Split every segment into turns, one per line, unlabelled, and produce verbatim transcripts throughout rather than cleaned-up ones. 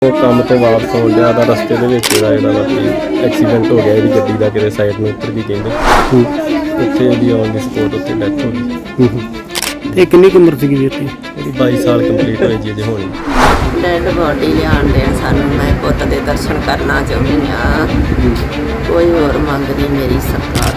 ਉਹ ਕੰਮ ਤੋਂ ਵਾਪਸ ਹੋਣ ਡਿਆ ਤਾਂ ਰਸਤੇ ਦੇ ਵਿੱਚ ਇਹਦਾ ਜਿਹੜਾ ਵਾ ਕਿ ਐਕਸੀਡੈਂਟ ਹੋ ਗਿਆ ਇਹਦੀ ਗੱਡੀ ਦਾ, ਕਿਤੇ ਸਾਈਡ ਨੂੰ ਉੱਤਰ ਗਈ ਕਹਿੰਦੇ। ਉੱਥੇ ਇਹਦੀ ਔਨ ਦੀ ਸਪੋਟ ਉੱਤੇ ਡੈਥ ਹੋ ਗਈ।
ਤੇ ਕਿੰਨੀ ਕੁ ਉਮਰ ਸੀਗੀ ਵੀਰ ਦੀ?
ਉਹਦੀ ਬਾਈ ਸਾਲ ਕੰਪਲੀਟ ਹੋਈ ਜੀ ਅਜੇ ਹੋਣੀ।
ਡੈਡ ਬੋਡੀ ਲਿਆਉਣ ਦੇ ਸਾਨੂੰ, ਮੈਂ ਪੁੱਤ ਦੇ ਦਰਸ਼ਨ ਕਰਨਾ ਚਾਹੁੰਦੀ ਹਾਂ। ਕੋਈ ਹੋਰ ਮੰਗ ਨਹੀਂ ਮੇਰੀ ਸਰਕਾਰ।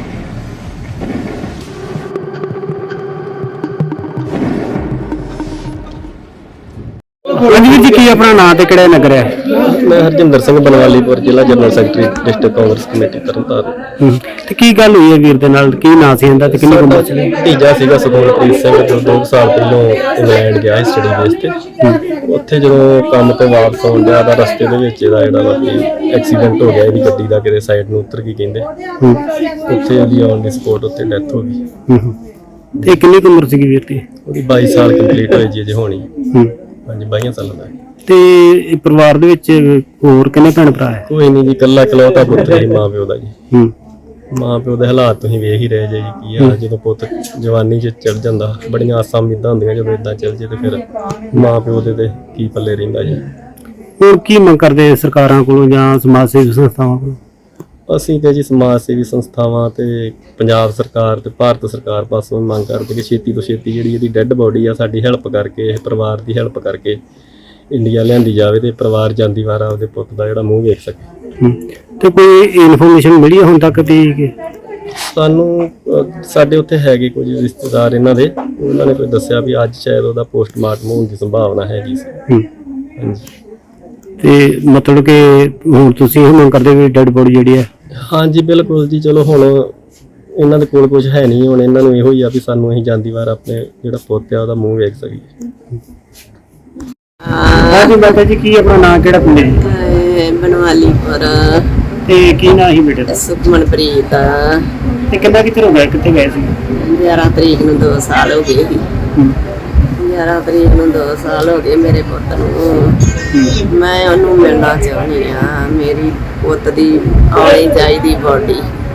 ਹਾਂਜੀ ਵੀਰ ਜੀ, ਕੀ ਆਪਣਾ ਨਾਂ ਤੇ ਕਿਹੜਾ ਨਗਰ ਹੈ?
ਮੈਂ ਹਰਜਿੰਦਰ ਸਿੰਘ ਬਨਵਾਲੀਪੁਰ, ਜ਼ਿਲ੍ਹਾ general secretary, district Congress committee Tarn Taran.
ਤੇ ਕੀ ਗੱਲ ਹੋਈ ਹੈ ਵੀਰ ਦੇ ਨਾਲ? ਕੀ ਨਾਂ ਸੀ ਇਹਦਾ ਤੇ ਕਿੰਨੀ ਕੁ ਉਮਰ ਸੀ?
ਭਤੀਜਾ ਸੀਗਾ ਸੁਖਮਨਪ੍ਰੀਤ ਸਿੰਘ, ਜੋ ਦੋ ਸਾਲ ਪਹਿਲਾਂ ਇੰਗਲੈਂਡ ਗਿਆ ਸੀ ਸਟੱਡੀ ਬੇਸ ਤੇ। ਉੱਥੇ ਜਦੋਂ ਕੰਮ ਤੋਂ ਵਾਪਸ ਆਉਣ ਡਿਆ ਤਾਂ ਰਸਤੇ ਦੇ ਵਿੱਚ ਇਹਦਾ ਜਿਹੜਾ ਵਾ ਕਿ ਐਕਸੀਡੈਂਟ ਹੋ ਗਿਆ ਇਹਦੀ ਗੱਡੀ ਦਾ, ਕਿਤੇ ਸਾਈਡ ਨੂੰ ਉੱਤਰ ਗਈ ਕਹਿੰਦੇ। ਉੱਥੇ ਇਹਦੀ ਔਨ ਦੀ ਸਪੋਟ ਉੱਤੇ ਡੈਥ ਹੋ ਗਈ।
ਤੇ ਕਿੰਨੀ ਕੁ ਉਮਰ ਸੀਗੀ ਵੀਰ ਦੀ?
ਉਹਦੀ ਬਾਈ ਸਾਲ ਕੰਪਲੀਟ ਹੋਈ ਜੀ ਅਜੇ ਹੋਣੀ। ਹਾਂਜੀ, ਬਾਈਆਂ ਸਾਲਾਂ ਦਾ।
ਤੇ ਇਹ ਪਰਿਵਾਰ ਦੇ ਵਿੱਚ ਹੋਰ ਕਿੰਨੇ ਭੈਣ ਭਰਾ ਹੈ?
ਕੋਈ ਨਹੀਂ ਜੀ, ਇਕੱਲਾ ਇਕਲੌਤਾ ਪੁੱਤਰ ਹੀ ਮਾਂ ਪਿਓ ਦਾ ਜੀ।
ਹੂੰ
ਮਾਂ ਪਿਓ ਦੇ ਹਾਲਾਤ ਤੁਸੀਂ ਵੇਖ ਹੀ ਰਹੇ ਜੇ ਜੀ ਕੀ ਆ। ਜਦੋਂ ਪੁੱਤ ਜਵਾਨੀ 'ਚ ਚੜ ਜਾਂਦਾ, ਬੜੀਆਂ ਆਸਾਂ ਉਮੀਦਾਂ ਹੁੰਦੀਆਂ, ਜਦੋਂ ਇਦਾਂ ਚੱਲ ਜੇ ਤੇ ਫਿਰ ਮਾਂ ਪਿਓ ਦੇ ਤੇ ਕੀ ਪੱਲੇ ਰਹਿੰਦਾ ਜੀ।
ਹੁਣ ਕੀ ਮੰਗ ਕਰਦੇ ਸਰਕਾਰਾਂ ਕੋਲੋਂ ਜਾਂ ਸਮਾਜ ਸੇਵੀ ਸੰਸਥਾਵਾਂ ਕੋਲੋਂ?
ਅਸੀਂ ਤੇ ਜੀ ਸਮਾਜ ਸੇਵੀ ਸੰਸਥਾਵਾਂ ਤੇ ਪੰਜਾਬ ਸਰਕਾਰ ਤੇ ਭਾਰਤ ਸਰਕਾਰ ਪਾਸੋਂ ਮੰਗ ਕਰਦੇ ਕਿ ਛੇਤੀ ਤੋਂ ਛੇਤੀ ਜਿਹੜੀ ਇਹਦੀ ਡੈੱਡ ਬੋਡੀ ਆ ਸਾਡੀ ਹੈਲਪ ਕਰਕੇ, ਇਹ ਪਰਿਵਾਰ ਦੀ ਹੈਲਪ ਕਰਕੇ ਇੰਡੀਆ ਲਿਆਂਦੀ ਜਾਵੇ ਤੇ ਪਰਿਵਾਰ ਜਾਂਦੀ ਵਾਰਾ ਉਹਦੇ ਪੁੱਤ ਦਾ ਜਿਹੜਾ ਮੂੰਹ ਵੇਖ ਸਕੇ।
ਤੇ ਕੋਈ ਇਨਫੋਰਮੇਸ਼ਨ ਮਿਲੀ ਹੁਣ ਤੱਕ ਦੀ?
ਸਾਨੂੰ ਅਹ, ਸਾਡੇ ਉੱਥੇ ਹੈਗੇ ਕੁਝ ਰਿਸ਼ਤੇਦਾਰ ਇਹਨਾਂ ਦੇ, ਉਹਨਾਂ ਨੇ ਕੋਈ ਦੱਸਿਆ ਵੀ ਅੱਜ ਸ਼ਾਇਦ ਉਹਦਾ ਪੋਸਟਮਾਰਟਮ ਹੋਣ ਦੀ ਸੰਭਾਵਨਾ ਹੈਗੀ ਸੀ। ਹਾਂਜੀ।
ਤੇ ਮਤਲਬ ਕਿ ਹੁਣ ਤੁਸੀਂ ਇਹ ਮੰਗ ਕਰਦੇ ਵੀ ਡੈਡ ਬੋਡੀ ਜਿਹੜੀ ਹੈ?
ਹਾਂਜੀ ਬਿਲਕੁਲ ਜੀ। ਚਲੋ ਹੁਣ ਇਹਨਾਂ ਦੇ ਕੋਲ ਕੁਝ ਹੈ ਨਹੀਂ, ਹੁਣ ਇਹਨਾਂ ਨੂੰ ਇਹੋ ਹੀ ਆ ਵੀ ਸਾਨੂੰ ਅਸੀਂ ਜਾਂਦੀ ਵਾਰ ਆਪਣੇ ਜਿਹੜਾ ਪੁੱਤ ਆ ਉਹਦਾ ਮੂੰਹ ਵੇਖ ਸਕੀਏ।
ਹਾਂਜੀ ਮਾਤਾ ਜੀ, ਕੀ ਆਪਣਾ ਨਾਂ, ਕਿਹੜਾ ਪਿੰਡ ਹੈ?
ਬਨਵਾਲੀਪੁਰ।
ਤੇ ਕੀ ਨਾਂ ਸੀ ਬੇਟੇ ਦਾ?
ਸੁਖਮਨਪ੍ਰੀਤ।
ਤੇ ਕਿੰਨਾ ਕਿੱਥੇ ਹੋ ਗਿਆ, ਕਿੱਥੇ ਗਏ ਸੀ?
ਗਿਆਰਾਂ ਤਰੀਕ ਨੂੰ ਦੋ ਸਾਲ ਹੋ ਗਏ ਸੀ। ਗਿਆਰਾਂ ਤਰੀਕ ਨੂੰ ਦੋ ਸਾਲ ਹੋ ਗਏ ਮੇਰੇ ਪੁੱਤ ਨੂੰ। ਮੈਂ ਉਹਨੂੰ ਮਿਲਣਾ ਚਾਹੁੰਦੀ ਹਾਂ। ਮੇਰੀ ਪੁੱਤ ਦੀ ਆਉਣੀ ਚਾਹੀਦੀ ਬੋਡੀ।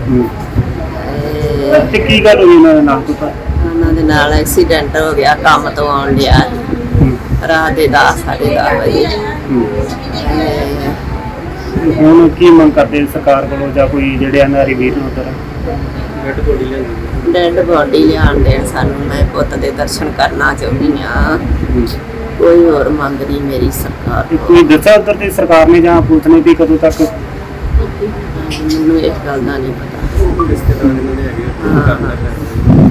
ਤੇ ਕੀ ਗੱਲ ਹੋਈ ਉਹਨਾਂ ਦੇ ਨਾਲ? ਪਤਾ
ਉਹਨਾਂ ਦੇ ਨਾਲ ਐਕਸੀਡੈਂਟ ਹੋ ਗਿਆ, ਕੰਮ ਤੋਂ ਆਉਣ ਡਿਆ ਰਾਤ ਦੇ ਦਸ ਸਾਢੇ ਦਸ ਵਜੇ।
ਹੁਣ ਕੀ ਮੰਗ ਕਰਦੇ ਸਰਕਾਰ ਕੋਲੋਂ ਜਾਂ ਕੋਈ ਜਿਹੜੇ ਅਨਾਰੀ ਵੀਰ ਨੂੰ ਉਧਰ
ਡੈੱਡ ਬੋਡੀ ਲਿਆਂਦੀ?
ਡੈਡ ਬੋਡੀ ਲਿਆਉਣ ਦੇਣ ਸਾਨੂੰ, ਮੈਂ ਪੁੱਤ ਦੇ ਦਰਸ਼ਨ ਕਰਨਾ ਚਾਹੁੰਦੀ ਹਾਂ। ਕੋਈ ਹੋਰ ਮੰਗ ਨਹੀਂ ਮੇਰੀ ਸਰਕਾਰ
ਤੇ ਕੋਈ ਦੱਸਿਆ ਉਧਰ ਤੇ ਸਰਕਾਰ ਨੇ ਜਾਂ ਪੁਲਿਸ ਨੇ ਵੀ ਕਦੋਂ ਤੱਕ?
ਮੈਨੂੰ ਇਸ ਗੱਲ ਦਾ ਨਹੀਂ ਪਤਾ।
ਰਿਸ਼ਤੇਦਾਰ ਇਹਨਾਂ ਦੇ ਹੈਗੇ।
ਹਾਂ।